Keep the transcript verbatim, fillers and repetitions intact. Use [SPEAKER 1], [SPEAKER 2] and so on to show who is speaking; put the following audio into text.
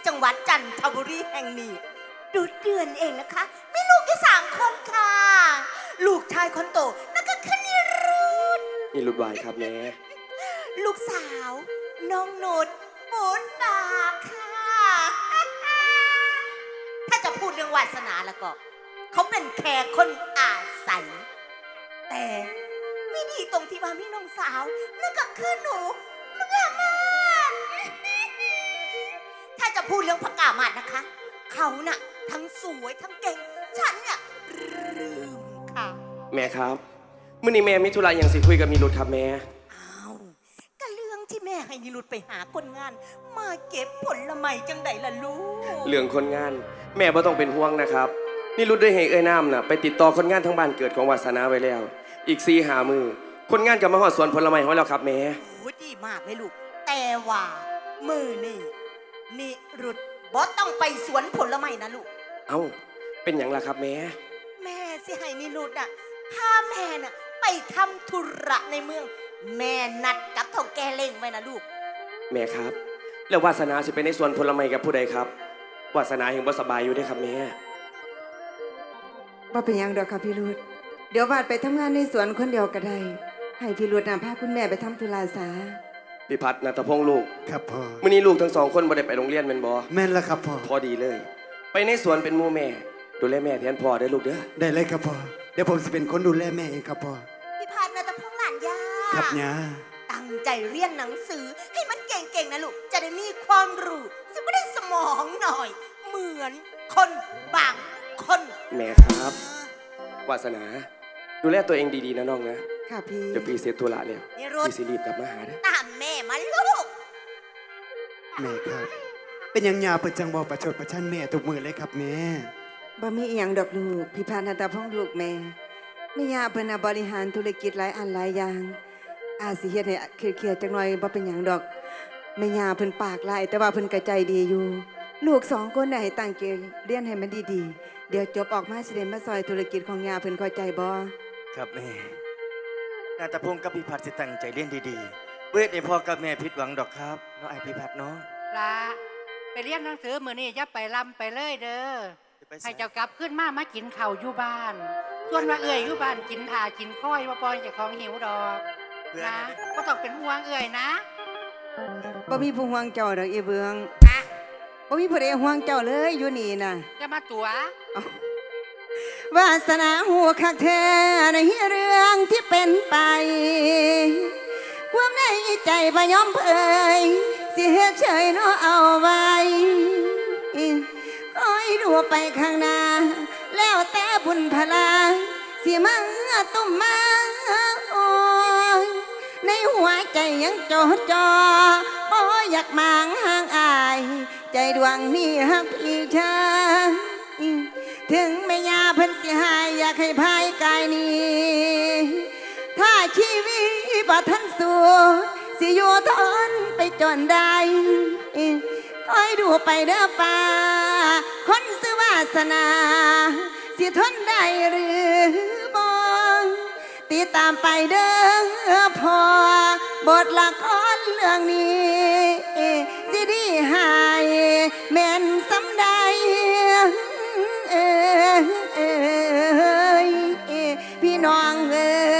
[SPEAKER 1] จังหวัดจันทบุรีแห่งนี้ดูเดือนเองนะคะมีลูกอยู่สามคนค่ะลูกชายคนโตนั่นก็คือนิรุต
[SPEAKER 2] นี่รุดวายครับแม่
[SPEAKER 1] ลูกสาวน้องนุชปูนตาค่ะถ้าจะพูดเรื่องวาสนาแล้วก็เขาเป็นแค่คนอาศัยแต่ไม่ดีตรงที่ว่ามีน้องสาวนั่นก็คือหนูมึงอะมากถ้าจะพูดเรื่องพระกามาดนะคะเขาน่ะทั้งสวยทั้งเก่งฉันเนี่ยลืมค่ะ
[SPEAKER 2] แม่ครับมื่อนี้แม่มิธุระอย่างสิคุยกับมีรุดครับแม่
[SPEAKER 1] อ้าวก็เรื่องที่แม่ให้นิรุตไปหาคนงานมาเก็บผลไม้จังใดล่ะลูก
[SPEAKER 2] เรื่องคนงานแม่บ่ต้องเป็นห่วงนะครับนี่รุดได้ให้เอ้ยน้ำน่ะไปติดต่อคนงานทั้งบ้านเกิดของวาสนาไว้แล้วอีกสี่หามือคนงานกับมาหอดสวนผลไม้ของเราครับแม่
[SPEAKER 1] โอ้ดีมากเลยลูกแต่ว่ามือนี่นิรุตบอสต้องไปสวนผลไม้นะลูก
[SPEAKER 2] เอ้าเป็นอย่างไรครับแม่
[SPEAKER 1] แม่สิให้นิรุตอ่ะพาแม่น่ะไปทำธุระในเมืองแม่นัดกับเฒ่าแก่เล่งไว้นะลูก
[SPEAKER 2] แม่ครับแล้ววาสนาสิไปในสวนผลไม้กับผู้ใดครับวาสนายังบ่สบายอยู่ได้ครับแม่
[SPEAKER 3] บ่เป็นยังดอกค่ะพี่รุดเดี๋ยววาดไปทำงานในสวนคนเดียวก็ได้ให้พี่รุดนำพาคุณแม่ไปทำธุระซะ
[SPEAKER 2] พี่พัฒน์ณัฐพงษ์ลูก
[SPEAKER 4] ครับพ่อ
[SPEAKER 2] มื้อนี้ลูกทั้งสองคนบ่ได้ไปโรงเรียนแม่นบ่
[SPEAKER 4] แม่นแล้วครับพ่อ
[SPEAKER 2] พอดีเลยไปในสวนเป็นหมู่แม่ดูแลแม่แทนพ่อได้ลูกเด้อ
[SPEAKER 4] ได้เลยครับพ่อเดี๋ยวผมจะเป็นคนดูแลแม่เองครับพ่อ
[SPEAKER 1] พี่พัฒน์ณัฐพงษ์หลานย่า
[SPEAKER 4] ครับย่า
[SPEAKER 1] ตั้งใจเรียนหนังสือให้มันเก่งๆนะลูกจะได้มีความรู้จะไม่ได้สมองหน่อยเหมือนคนบางคน
[SPEAKER 2] แม่ครับวาสนาดูแลตัวเองดีๆนะน้องนะ
[SPEAKER 3] ค่ะพี่
[SPEAKER 2] เดี๋ยวพี่เสร็จธุระแล้วพี่สิรีบกลับมาหาเด้อ
[SPEAKER 1] ตามแม่มาลูก
[SPEAKER 4] แม่ครับเป็นยังยาประจังบอประชดประชันแม่ทุกมือเลยครับแม่
[SPEAKER 3] บ่มีอีหยังดอกลูกพี่พานันตพงษ์ลูกแม่แม่ย่าเพิ่นน่ะบริหารธุรกิจหลายอันหลายอย่างอาจสิเฮ็ดให้เครียดๆจักหน่อยบ่เป็นหยังดอกแม่ย่าเพิ่นปากหลายแต่ว่าเพิ่นก็ใจดีอยู่ลูกสองคนน่ะให้ตั้งใจเรียนให้มันดีๆเดี๋ยวจบออกมาสิได้มาซอยธุรกิจของย่าเพิ่นเข้าใจบ่
[SPEAKER 5] ครับแม่นาตาพงศ์กับพี่พัดสิตั้งใจเรียนดีๆเวทให้พ่อกับแม่ผิดหวังดอกครับน้องไอพี่พัดเนาะ
[SPEAKER 6] ละไปเรียนหนังสือมื้อนี้อย่าไปลำไปเลยเด้อให้เจ้ากลับขึ้นมามากินข้าวอยู่บ้านส่วนว่าเอื่อยอยู่บ้านกินถ่ากินค้อยว่าปอยเจ้าของหิวดอกนะก็ต้องเป็นห่วงเอื่อยนะ
[SPEAKER 3] บ่มีผู้ห่วงเจ้าดอกอีเบืองบ่มีผู้ใดห่วงเจ้าเลยอยู่นี่น่ะ
[SPEAKER 6] จะมาตัว
[SPEAKER 3] วาสนาหูคักแท้ในเรื่องที่เป็นไปความในใจบ่ยอมเผยสิเฮ็ดเฉยเนาะเอาไว้คอยดูไปข้างหน้าแล้วแต่บุญพลาสิมาตุ้มมาโอ้ยในหัวใจยังจดจ่อบ่อยากมางห่างอายใจดวงนี้ฮักพี่ชายถึงแม่ยาเพิ่นสิหายอยากให้ภายกายนี้ถ้าชีวิตบ่ทันสู้สิอยู่ทนไปจนได้คอยดูไปเด้อป่าคนชื่อวาสนาสิทนได้หรือบ่ติดตามไปเด้อพอบทละครเรื่องนี้สิดีหายแม่นสำได้เอ้ยพี่น้องเอ้